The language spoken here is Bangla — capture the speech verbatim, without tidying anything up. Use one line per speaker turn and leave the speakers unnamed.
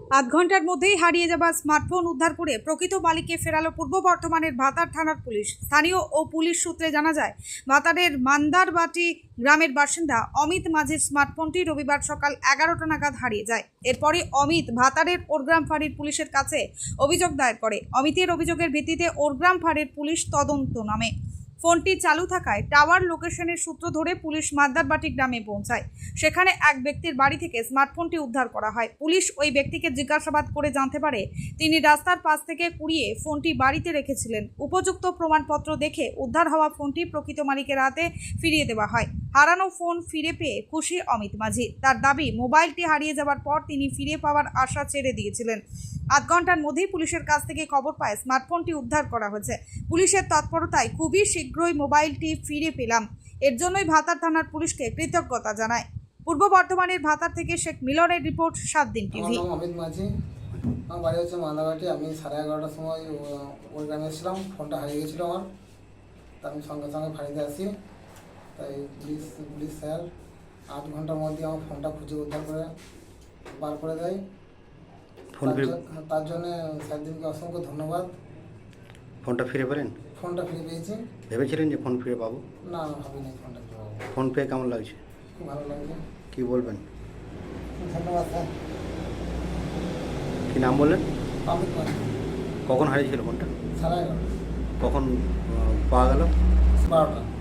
আধ ঘন্টার মধ্যেই হারিয়ে যাওয়া স্মার্টফোন উদ্ধার করে প্রকৃত মালিককে ফেরালো পূর্ব বর্ধমানের ভাতার থানার পুলিশ। স্থানীয় ও পুলিশ সূত্রে জানা যায়, ভাতারের মান্দারবাটি গ্রামের বাসিন্দা অমিত মাঝির স্মার্টফোনটি রবিবার সকাল এগারোটা নাগাদ হারিয়ে যায়। এরপরে অমিত ভাতারের ওরগ্রাম ফাঁড়ির পুলিশের কাছে অভিযোগ দায়ের করে। অমিতের অভিযোগের ভিত্তিতে ওরগ্রাম ফাঁড়ির পুলিশ তদন্ত নামে। ফোনটি চালু থাকায় টাওয়ার লোকেশনের সূত্র ধরে পুলিশ মান্দারবাটি গ্রামে পৌঁছায়। সেখানে এক ব্যক্তির বাড়ি থেকে স্মার্টফোনটি উদ্ধার করা হয়। পুলিশ ওই ব্যক্তিকে জিজ্ঞাসাবাদ করে জানতে পারে তিনি রাস্তার পাশ থেকে কুড়িয়ে ফোনটি বাড়িতে রেখেছিলেন। উপযুক্ত প্রমাণপত্র দেখে উদ্ধার হওয়া ফোনটি প্রকৃত মালিকের হাতে ফিরিয়ে দেওয়া হয়। হারানো ফোন ফিরে পেয়ে খুশি অমিত মাঝি। তার দাবি, মোবাইলটি হারিয়ে যাওয়ার পর তিনি ফিরে পাওয়ার আশা ছেড়ে দিয়েছিলেন। আধ ঘন্টার মধ্যেই পুলিশের কাছ থেকে খবর পায় স্মার্টফোনটি উদ্ধার করা হয়েছে। পুলিশের তৎপরতায় খুবই শীঘ্রই মোবাইলটি ফিরে পেলাম। এর জন্যই ভাতার থানার পুলিশকে কৃতজ্ঞতা জানায়। পূর্ব বর্ধমানের ভাতার থেকে শেখ মিলনের রিপোর্ট, সাত দিন টিভি।
আমার নাম অমিত মাঝি, আমার বাড়ি হচ্ছে মান্দারবাটি। আমি সাড়ে এগারোটার সময় ওই গ্রামে এসেছিলাম, ফোনটা হারিয়ে গেছিলো আমার। তা আমি সঙ্গে সঙ্গে ফাঁড়িতে আসি। তাই পুলিশ পুলিশ স্যার আট ঘন্টার মধ্যে আমার ফোনটা খুঁজে উদ্ধার করে বার করে দেয়। তার জন্যে স্যারদিনকে অসংখ্য ধন্যবাদ।
ফোনটা ফিরে পেলেন?
ফোনটা ফিরে পেয়েছি।
ভেবেছিলেন যে ফোন ফিরে পাবো?
না, আমি ভাবিনি ফোনটা ফিরে পাবো।
ফোন পেয়ে কেমন লাগছে?
খুব ভালো লাগছে।
কি বলবেন?
ধন্যবাদ স্যার।
কি নাম বললেন?
অমিত মাঝি।
কখন হারিয়েছিল ফোনটা?
সাড়ে এগারোটা।
কখন আহ, পাওয়া গেল?
বারোটা।